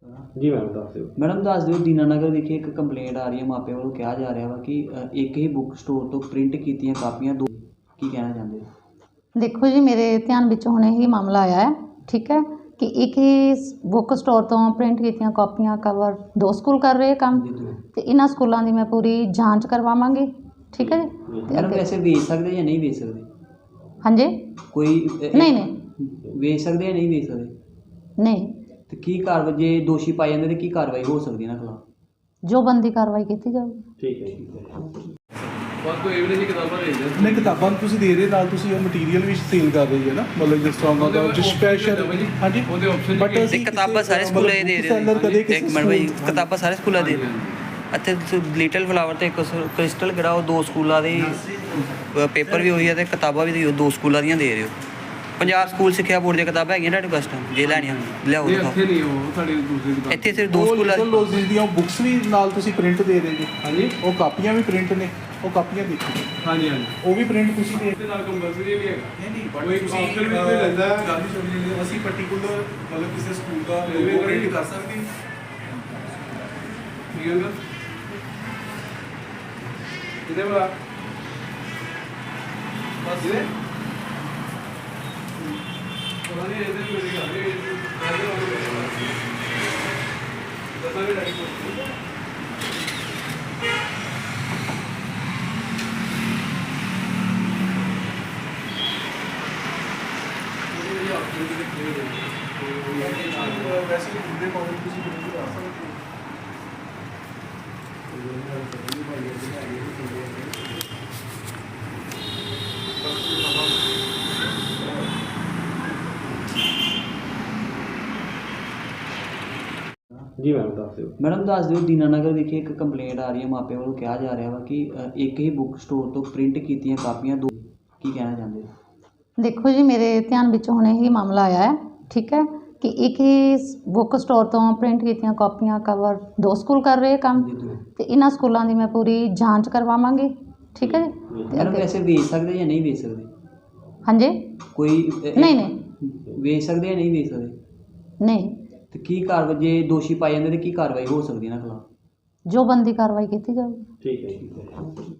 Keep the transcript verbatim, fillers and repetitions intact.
ਜੀ ਮੈਮ ਦੱਸ ਦਿਓ। ਮੈਡਮ ਦੱਸ ਦਿਓ, ਦੀਨਾਨਗਰ ਵਿਖੇ ਇੱਕ ਕੰਪਲੇਂਟ ਆ ਰਹੀ ਹੈ, ਮਾਪਿਆਂ ਵੱਲੋਂ ਕਿਹਾ ਜਾ ਰਿਹਾ ਵਾ ਕਿ ਅ, ਇੱਕ ਹੀ ਬੁੱਕ ਸਟੋਰ ਤੋਂ ਪ੍ਰਿੰਟ ਕੀਤੀਆਂ ਕਾਪੀਆਂ ਦੋ, ਕੀ ਕਹਿਣਾ ਚਾਹੁੰਦੇ ਹੋ? ਦੇਖੋ ਜੀ, ਮੇਰੇ ਧਿਆਨ ਵਿੱਚ ਹੁਣੇ ਹੀ ਮਾਮਲਾ ਆਇਆ ਹੈ। ਠੀਕ ਹੈ ਕਿ ਇੱਕ ਹੀ ਬੁੱਕ ਸਟੋਰ ਤੋਂ ਪ੍ਰਿੰਟ ਕੀਤੀਆਂ ਕਾਪੀਆਂ ਕਵਰ ਦੋ ਸਕੂਲ ਕਰ ਰਹੇ ਕੰਮ, ਤੇ ਇਹਨਾਂ ਸਕੂਲਾਂ ਦੀ ਮੈਂ ਪੂਰੀ ਜਾਂਚ ਕਰਵਾਵਾਂਗੀ। ਠੀਕ ਹੈ ਜੀ। ਤੇ ਮੈਡਮ ਅੱਗੇ- ਵੈਸੇ ਵੇਚ ਸਕਦੇ ਜਾਂ ਨਹੀਂ ਵੇਚ ਸਕਦੇ? ਹਾਂਜੀ। ਕੋਈ ਅ, ਨਹੀਂ ਨਹੀਂ ਵੇਚ ਸਕਦੇ ਜਾਂ ਨਹੀਂ ਵੇਚ ਸਕਦੇ? ਨਹੀਂ, ਤੇ ਕੀ ਕਾਰਵਾਈ ਜੇ ਦੋਸ਼ੀ ਪਾਏ ਜਾਂਦੇ ਤੇ ਕੀ ਕਾਰਵਾਈ ਹੋ ਸਕਦੀ ਇਹਨਾਂ ਖਿਲਾਫ? ਜੋ ਬਣਦੀ ਕਾਰਵਾਈ ਕੀਤੀ ਜਾਊਗੀ। ਠੀਕ ਹੈ ਠੀਕ ਹੈ। ਬਸ ਕੋਈ ਐਵੀਡੈਂਸ ਦੀ ਕਿਤਾਬਾਂ ਦੇ ਦਿਓ। ਨਹੀਂ, ਕਿਤਾਬਾਂ ਤੁਸੀਂ ਦੇ ਰਹੇ ਨਾਲ ਤੁਸੀਂ ਉਹ ਮਟੀਰੀਅਲ ਵੀ ਸੇਲ ਕਰ ਰਹੇ ਹੋ ਨਾ, ਮਤਲਬ ਜਿਸ ਤਰ੍ਹਾਂ ਦਾ ਜੋ ਸਪੈਸ਼ਲ। ਹਾਂਜੀ, ਉਹਦੇ option ਬਟ ਕੀ- ਅਸੀਂ ਕਿਤਾਬਾਂ ਸਾਰੇ ਸਕੂਲਾਂ ਦੇ ਦੇ ਰਹੇ ਹੋ? seller ਕਦੇ ਕਿਸੇ ਇੱਕ ਮਿੰਟ ਭਾਈ, ਸਕੂਲ- ਕਿਤਾਬਾਂ ਸਾਰੇ ਸਕੂਲਾਂ ਦੇ ਇੱਥੇ ਲਿਟਲ ਫਲਾਵਰ ਤੇ ਕ੍ਰਿਸਟਲ ਕਿਹੜਾ ਉਹ ਦੋ ਸਕੂਲਾਂ ਦੇ ਪੇਪਰ ਵੀ ਹੋਈ ਆ ਤੇ ਕਿਤਾਬਾਂ ਵੀ ਦੋ ਸਕੂਲਾਂ ਦੀਆਂ ਦੇ ਰਹੇ ਹੋ। ਪੰਜਾਬ ਸਕੂਲ ਸਿੱਖਿਆ ਬੋਰਡ ਦੀਆਂ ਕਿਤਾਬਾਂ ਹੈਗੀਆਂ ਤੁਹਾਡੇ ਕਸਟਮ ਜੇ ਲੈਣੀਆਂ ਲਿਆਓ ਨਹੀਂ, ਦਿਖਾਓ। ਇੱਥੇ ਨਹੀਂ ਉਹ ਸਾਡੀ ਦੂਸਰੀ ਕਿਤਾਬ। ਇੱਥੇ ਸਿਰਫ ਦੋ ਉਹ ਸਕੂਲਾਂ Little Roses ਦੀਆਂ ਬੁੱਕਸ ਵੀ ਨਾਲ ਤੁਸੀਂ ਪ੍ਰਿੰਟ ਦੇ ਰਹੇ ਜੀ। ਹਾਂਜੀ ਉਹ ਕਾਪੀਆਂ ਵੀ ਪ੍ਰਿੰਟ ਨੇ, ਉਹ ਕਾਪੀਆਂ ਦੇਖੋ, ਹਾਂਜੀ ਹਾਂਜੀ ਉਹ ਵੀ ਪ੍ਰਿੰਟ ਤੁਸੀਂ ਦੇ ਇਹਦੇ ਨਾਲ ਕੰਪਲਸਰੀ ਵੀ ਹੈਗਾ। ਨਹੀਂ ਨਹੀਂ ਕੋਈ option ਵੀ ਕੋਈ ਲੈਂਦਾ ਹੈ। ਗੱਲ ਹੀ ਸੁਣੀ ਜਾਂਦੀ ਹੈ। ਅਸੀਂ ਪਾਰਟਿਕੂਲਰ ਮਤਲਬ ਕਿਸੇ ਸਕੂਲ ਦਾ ਇਹ ਵੀ logo ਕਰੀ। print ਕਰ ਸਕਦੇ ਹਾਂ। ਠੀਕ ਹੈ ਨਾ? ਕਿਤੇ ਬੜਾ ਬਸ ਇਹ ਉਹਨਾਂ ਨੇ ਇਹਦੇ ਵਿੱਚ ਮੇਰੀ ਗੱਲ ਇਹ ਇਹਦੇ ਨਾਲ ਦੱਸਾਂ ਵੀ ਡਾਇਰੈਕਟ ਵੈਸੇ ਹੀ ਪੂਰੇ ਕਾਲਜ ਤੁਸੀਂ print ਕਰ ਸਕਦੇ ਹੋ। ਜੀ ਮੈਮ ਦੱਸ ਦਿਓ। ਮੈਡਮ ਦੱਸ ਦਿਓ, ਦੀਨਾਨਗਰ ਵਿਖੇ ਇੱਕ ਕੰਪਲੇਂਟ ਆ ਰਹੀ ਹੈ, ਮਾਪਿਆਂ ਵੱਲੋਂ ਕਿਹਾ ਜਾ ਰਿਹਾ ਵਾ ਕਿ ਅ, ਇੱਕ ਹੀ ਬੁੱਕ ਸਟੋਰ ਤੋਂ ਪ੍ਰਿੰਟ ਕੀਤੀਆਂ ਕਾਪੀਆਂ ਦੋ, ਕੀ ਕਹਿਣਾ ਚਾਹੁੰਦੇ ਹੋ? ਦੇਖੋ ਜੀ, ਮੇਰੇ ਧਿਆਨ ਵਿੱਚ ਹੁਣੇ ਹੀ ਮਾਮਲਾ ਆਇਆ ਹੈ। ਠੀਕ ਹੈ ਕਿ ਇੱਕ ਹੀ ਬੁੱਕ ਸਟੋਰ ਤੋਂ ਪ੍ਰਿੰਟ ਕੀਤੀਆਂ ਕਾਪੀਆਂ ਕਵਰ ਦੋ ਸਕੂਲ ਕਰ ਰਹੇ ਕੰਮ, ਤੇ ਇਹਨਾਂ ਸਕੂਲਾਂ ਦੀ ਮੈਂ ਪੂਰੀ ਜਾਂਚ ਕਰਵਾਵਾਂਗੀ। ਠੀਕ ਹੈ ਜੀ। ਤੇ ਮੈਡਮ ਅੱਗੇ- ਵੈਸੇ ਵੇਚ ਸਕਦੇ ਜਾਂ ਨਹੀਂ ਵੇਚ ਸਕਦੇ? ਹਾਂਜੀ। ਕੋਈ ਅ, ਨਹੀਂ ਨਹੀਂ ਵੇਚ ਸਕਦੇ ਜਾਂ ਨਹੀਂ ਵੇਚ ਸਕਦੇ? ਨਹੀਂ, ਤੇ ਕੀ ਕਾਰਵਾਈ ਜੇ ਦੋਸ਼ੀ ਪਾਏ ਜਾਂਦੇ ਤੇ ਕੀ ਕਾਰਵਾਈ ਹੋ ਸਕਦੀ ਇਹਨਾਂ ਖਿਲਾਫ? ਜੋ ਬਣਦੀ ਕਾਰਵਾਈ ਕੀਤੀ ਜਾਊਗੀ। ਠੀਕ ਹੈ ਠੀਕ ਹੈ।